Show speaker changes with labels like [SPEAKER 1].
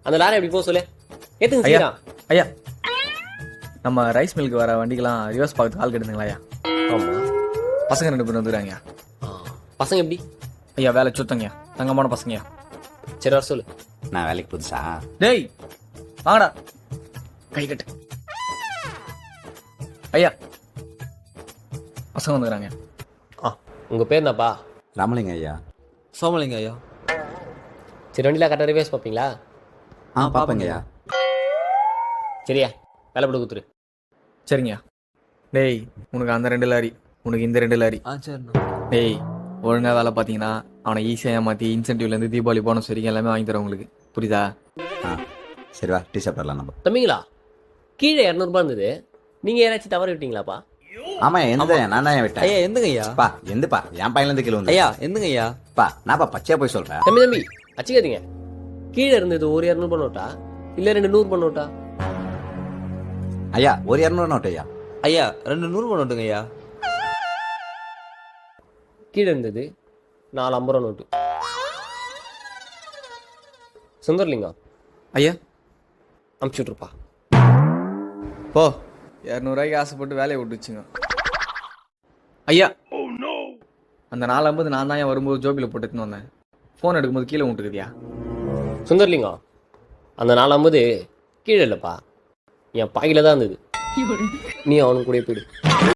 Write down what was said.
[SPEAKER 1] அந்த லாரி எப்படி போக சொல்லு. ஏத்துங்க
[SPEAKER 2] ஐயா
[SPEAKER 1] சீக்கிரம்.
[SPEAKER 2] ஐயா நம்ம ரைஸ் மில்க்கு வர வண்டிக்கெல்லாம் ரிவர்ஸ் பார்த்து கால் கெடுதுங்களா ஐயா?
[SPEAKER 1] ஆமா.
[SPEAKER 2] பசங்க 2 பேர் வந்துக்கிறாங்க.
[SPEAKER 1] பசங்க எப்படி?
[SPEAKER 2] ஐயா வேலை சுத்தங்கய்யா, தங்கமான பசங்கய்யா.
[SPEAKER 1] சரி வர சொல்லு.
[SPEAKER 3] நான் வேலைக்கு புதுசா?
[SPEAKER 2] டேய் வாங்கடா, கை கட்டு. ஐயா பசங்க வந்துக்கிறாங்க.
[SPEAKER 1] உங்க பேர் என்னப்பா?
[SPEAKER 3] ராமலிங்க ஐயா.
[SPEAKER 4] சோமலிங்க ஐயா.
[SPEAKER 1] சரி வண்டியில் கரெக்டாக ரிவேஸ் பார்ப்பீங்களா?
[SPEAKER 3] பாப்பேங்க ஐயா.
[SPEAKER 1] சரியா வேலை போட்டு கொடுத்துரு.
[SPEAKER 2] சரிங்கய்யா. டேய் உனக்கு அந்த 2 லாரி, உனக்கு இந்த 2 லாரி.
[SPEAKER 4] சரிண்ணா.
[SPEAKER 2] டேய் ஒழுங்கா வேலை பார்த்தீங்கன்னா அவனை ஈஸியாக ஏமாற்றி இன்சென்டிவ்லேருந்து தீபாவளி போனஸ் வரைக்கும் எல்லாமே வாங்கி தரேன் உங்களுக்கு, புரியுதா?
[SPEAKER 3] சரி வா, டீ சாப்பிடலாம் நம்ம.
[SPEAKER 1] தம்பிங்களா, கீழே 200 இருந்தது, நீங்கள் யாராச்சும் தவறு விட்டீங்களாப்பா?
[SPEAKER 3] ஆமா, எந்த நான் தான் விட்டேன்.
[SPEAKER 4] ஐயா எந்துங்க ஐயா.
[SPEAKER 3] பா எந்தப்பா என் பையன்ல இருந்து கீழே வந்து.
[SPEAKER 4] ஐயா எந்துங்க ஐயா.
[SPEAKER 3] பா நான்ப்பா பச்சையா போய் சொல்றேன்.
[SPEAKER 1] தம்பி அச்சுக்காதீங்க. கீழே இருந்தது ஒரு 200 பண்ணோட்டா இல்லை 2 100 பண்ணோட்டா?
[SPEAKER 3] ஐயா ஒரு 200 நோட்டு ஐயா.
[SPEAKER 4] ஐயா 2 100 பண்ணட்டுங்க ஐயா.
[SPEAKER 1] கீழே இருந்தது 4 50 நோட்டு. சுந்தர்லிங்கம்
[SPEAKER 2] ஐயா
[SPEAKER 1] அமுச்சு விட்ருப்பா.
[SPEAKER 2] போ, 200 ரூபாய்க்கு ஆசைப்பட்டு வேலையை விட்டுச்சுங்க. ஐயா அந்த 450 நான் தான் வரும்போது ஜோபியில் போட்டுன்னு வந்தேன். ஃபோன் எடுக்கும்போது கீழே விட்டுக்குதியா?
[SPEAKER 1] சுந்தர்லிங்கம், அந்த 450 கீழே இல்லைப்பா, என் பாக்கில தான் இருந்தது. நீ அவனுக்கு கூட போயிடு.